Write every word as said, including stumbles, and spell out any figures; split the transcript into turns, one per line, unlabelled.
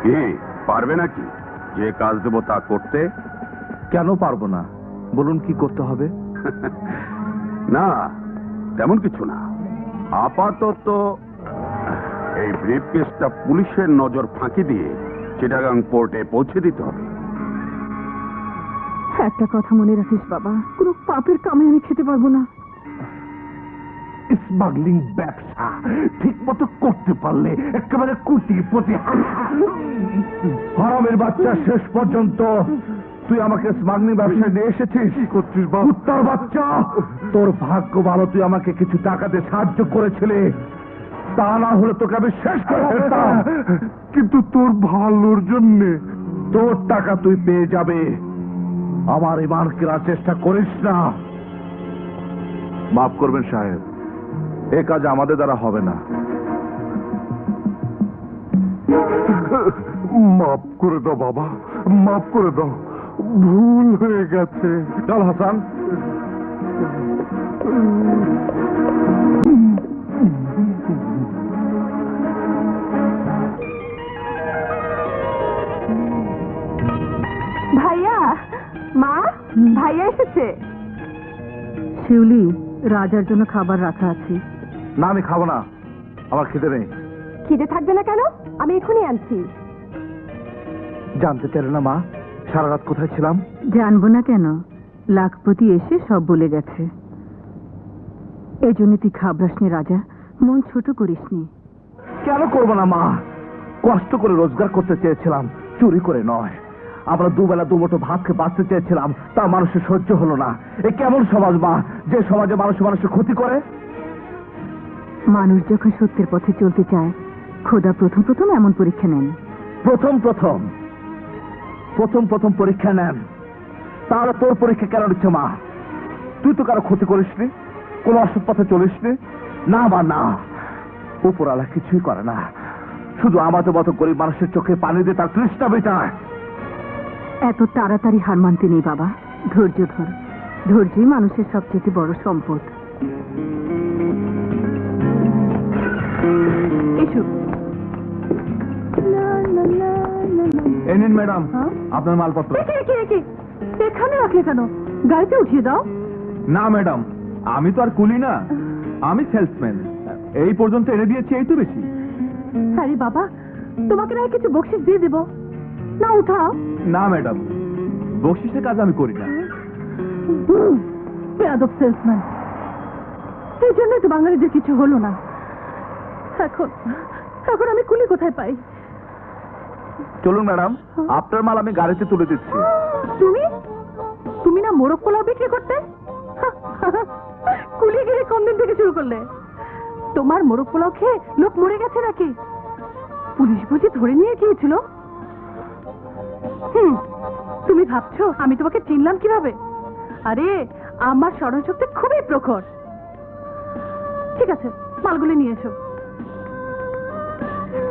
কি পারবে নাকি যে কাজ দেবো তা করতে?
কেন পারবো না, বলুন কি করতে হবে?
না তেমন কিছু না, আপাতত এই ব্রিফকেসটা পুলিশের নজর ফাঁকি দিয়ে চিটাগাং পোর্টে পৌঁছে দিতে হবে।
একটা কথা মনে রাখিস বাবা, কোনো পাপের কামে আমি খেতে পারবো না।
স্মাগলিং ব্যবসা ঠিক মতো করতে পারলে একেবারে কুটি পতি। হারামের বাচ্চা, শেষ পর্যন্ত তুই আমাকে স্মাগলিং ব্যবসায় নিয়ে এসেছিস। কি করছিস বাবা? কুত্তার বাচ্চা, তোর ভাগ্য ভালো তুই আমাকে কিছু টাকাতে সাহায্য করেছিলে, তা না হলে তোকে আমি শেষ করে ফেলতাম। কিন্তু তোর ভালোর জন্য তোর টাকা তুই পেয়ে যাবে, আমার ইমান কেনার চেষ্টা করিস না। মাফ করবেন সাহেব, এ কাজ আমাদের দ্বারা হবে না। মাফ করে দাও বাবা, মাফ করে দাও, ভুল হয়ে গেছে। চল হাসান।
ভাইয়া, মা, ভাইয়া এসেছে। শিউলি, রাজার জন্য খাবার রাখা আছে।
না আমি খাবো না, আমার খিদে নেই।
খিদে থাকবে না কেন? আমি এখনই আনছি।
জানতে চাইলে না মা সারা রাত কোথায় ছিলাম?
জানবো না কেন, লাখপতি এসে সব বলে গেছে। এই জন্য তুই খাবরাসনি রাজা, মন ছোট করিসনি।
কেন করবো না মা, কষ্ট করে রোজগার করতে চেয়েছিলাম, চুরি করে নয়। আমরা দুবেলা দুমুঠো ভাত খেয়ে বাঁচতে চেয়েছিলাম, তা মানুষের সহ্য হলো না। এ কেমন সমাজ মা, যে সমাজে মানুষ মানুষের ক্ষতি করে?
মানুষ যখন সত্যের পথে চলতে চায়, খোদা প্রথম প্রথম এমন পরীক্ষা নেন।
প্রথম প্রথম প্রথম প্রথম পরীক্ষা নেন, তাহলে তোর পরীক্ষা কেন নিচ্ছে মা? তুই তো কারো ক্ষতি করিসনি, কোন অসৎ পথে চলিসনি। না মা না, উপরালা কিছুই করে না, শুধু আমাদের মতো গরিব মানুষের চোখে পানি দিয়ে তার তৃষ্ণা মেটায়।
এত তাড়াতাড়ি হার মানতে নেই বাবা, ধৈর্য ধর। ধৈর্যই মানুষের সবচেয়ে বড় সম্পদ। এসো।
এই নিন ম্যাডাম আপনার মালপত্র।
এখানে রাখলে কেন? গাড়িতে উঠিয়ে দাও।
না ম্যাডাম, আমি তো আর কুলি না, আমি সেলসম্যান। এই পর্যন্ত এনে দিয়েছি, এই তো বেশি।
আরে বাবা, তোমাকে না কিছু বকশিস দিয়ে দেবো, না উঠাও।
না ম্যাডাম, বকশিসের কাজ আমি করি না।
বেয়াদব সেলসম্যান, এই জন্যই তো বাঙালিদের কিছু হলো না। এখন এখন আমি কুলি কোথায় পাই?
চলুন ম্যাডাম, আপনার মাল আমি গাড়িতে তুলে দিচ্ছি।
তুমি তুমি না মোরগ পোলাও বিক্রি করতে? কুলি গিয়ে কোন দিন থেকে শুরু করলে? তোমার মোরগ পোলাও খেয়ে লোক মরে গেছে নাকি? পুলিশ বুঝি ধরে নিয়ে গিয়েছিল? হুম, তুমি ভাবছো আমি তোমাকে চিনলাম কিভাবে? আরে আমার স্মরণশক্তি খুবই প্রখর। ঠিক আছে, মালগুলি নিয়ে এসো।